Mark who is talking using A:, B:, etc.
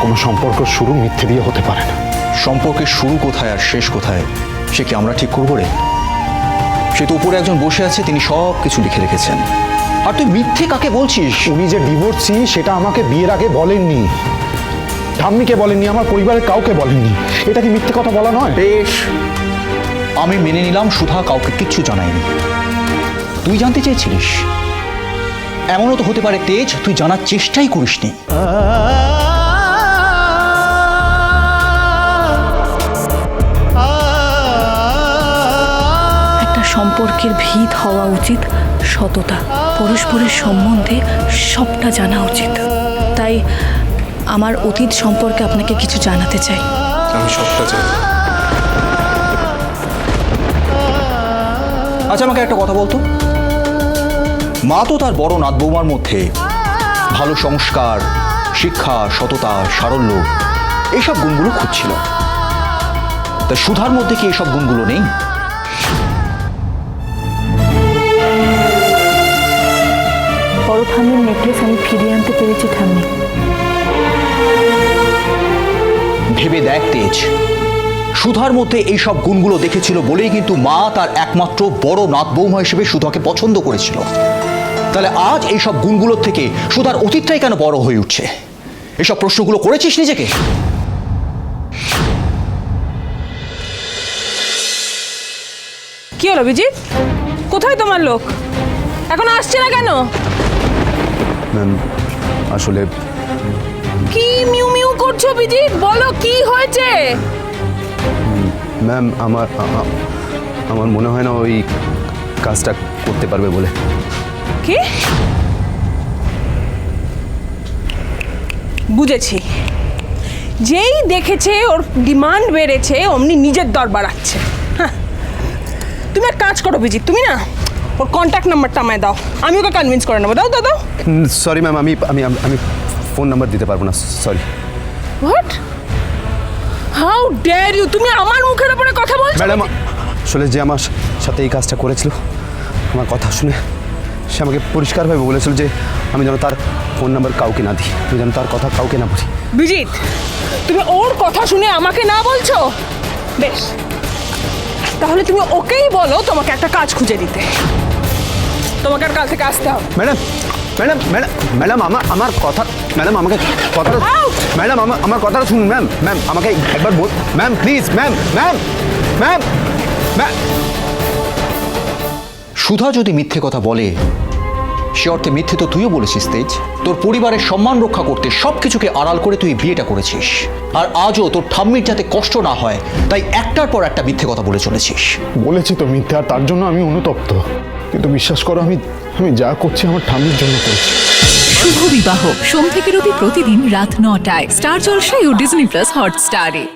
A: কোনো সম্পর্ক শুরু মিথ্যে দিয়ে হতে পারে না।
B: সম্পর্কের শুরু কোথায় আর শেষ কোথায় সে কি আমরা ঠিক করবো রে? সে তো উপরে একজন বসে আছে, তিনি সব কিছু লিখে রেখেছেন। আর তুই মিথ্যে কাকে বলছিস?
A: উনি যে ডিভোর্সি সেটা আমাকে বিয়ের আগে বলেননি, ঠাম্মিকে বলেননি, আমার পরিবারের কাউকে বলেননি। এটা কি মিথ্যে কথা বলা নয়?
B: বেশ, আমি মেনে নিলাম সুধা কাউকে কিচ্ছু জানায়নি। তুই জানতে চেয়েছিলিস, এমনও তো হতে পারে তেজ তুই জানার চেষ্টাই করিসনি।
C: একটা সম্পর্কের ভিত হওয়া উচিত সততা, পরস্পরের সম্বন্ধে সবটা জানা উচিত। তাই আমার অতীত সম্পর্কে আপনাকে কিছু জানাতে চাই।
D: আমি সবটা জানি।
B: আচ্ছা, আমাকে একটা কথা বলতো, মা তো তার বড় নাত বৌমার মধ্যে ভালো সংস্কার, শিক্ষা, সততা, সারল্য এইসব গুণগুলো খুঁজছিল। তা সুধার মধ্যে কি এইসব গুণগুলো নেই?
C: বড় ঠাম্মির নেকলেস আমি ফিরিয়ে আনতে পেরেছি ঠাম্মি।
B: ভেবে দেখ তেজ, সুধার মধ্যে এইসব গুণগুলো দেখেছিল বলেই কিন্তু মা তার একমাত্র বড় নাত বৌমা হিসেবে সুধাকে পছন্দ করেছিল। তাহলে আজ এইসব গুণগুলোর থেকে সুধার অতীতটাই কেন বড় হয়ে উঠছে? এসব প্রশ্নগুলো করেছিস নিজেকে?
E: কি হলো বিজিৎ, কোথায় তোমার লোক? এখন আসছে না কেন?
D: ম্যাম আসলে
E: কি মিউ মিউ করছো বিজিৎ? বলো কি হয়েছে?
D: ম্যাম আমার মনে হয় না ওই কাজটা করতে পারবে বলে।
E: কি? বুঝেছি, যেই দেখেছে ওর ডিমান্ড বেড়েছে অমনি নিজের দর বাড়াচ্ছে। হ্যাঁ, তুমি এক কাজ করো বিজিৎ, তুমি না ওর কন্ট্যাক্ট নাম্বারটা আমায় দাও, আমি ওকে কনভিন্স করে নেবো। দাও দাও দাও।
D: সরি ম্যাম, আমি আমি আমি ফোন নাম্বার দিতে পারবো না, sorry.
E: What? How dare you! তুমি আমার মুখের উপরে কথা বলছো?
D: ম্যাডাম, আসলে যে আমার সাথে এই কাজটা করেছিল, আমার কথা শুনে সে আমাকে পরিষ্কারভাবে বলেছিল যে আমি যেন তার ফোন নাম্বার কাউকে না দিই, আমি যেন তার কথা কাউকে না বলি।
E: বিজিৎ, তুমি ওর কথা শুনে আমাকে না বলছো? বেশ, তাহলে তুমি ওকেই বলো তোমাকে একটা কাজ খুঁজে দিতে। তোমাকে আর কাল থেকে আসতে হবে।
D: ম্যাডাম ম্যাডাম ম্যাডাম ম্যাডাম আমার কথা, ম্যাডাম আমাকে কথাটা, ম্যাডাম আমার কথাটা শুনুন। ম্যাম ম্যাম আমাকে একবার বল, ma'am please, ma'am ma'am ma'am ma'am.
B: Sudha যদি মিথ্যে কথা বলে, সে অর্থে মিথ্যে তো তুইও বলেছিস তেজ। তোর পরিবারের সম্মান রক্ষা করতে সবকিছুকে আড়াল করে তুই বিয়েটা করেছিস। আর আজও তোর ঠাম্মির যাতে কষ্ট না হয় তাই একটার পর একটা মিথ্যে কথা বলে চলেছিস।
A: বলেছি তো মিথ্যে, আর তার জন্য আমি অনুতপ্ত। কিন্তু বিশ্বাস করো, আমি যা করছি আমার ঠাম্মির জন্য করছি।
F: শুভ বিবাহ সোম থেকে রবি প্রতিদিন রাত ৯টায় স্টার জলসায় ও ডিজনি প্লাস হটস্টারে।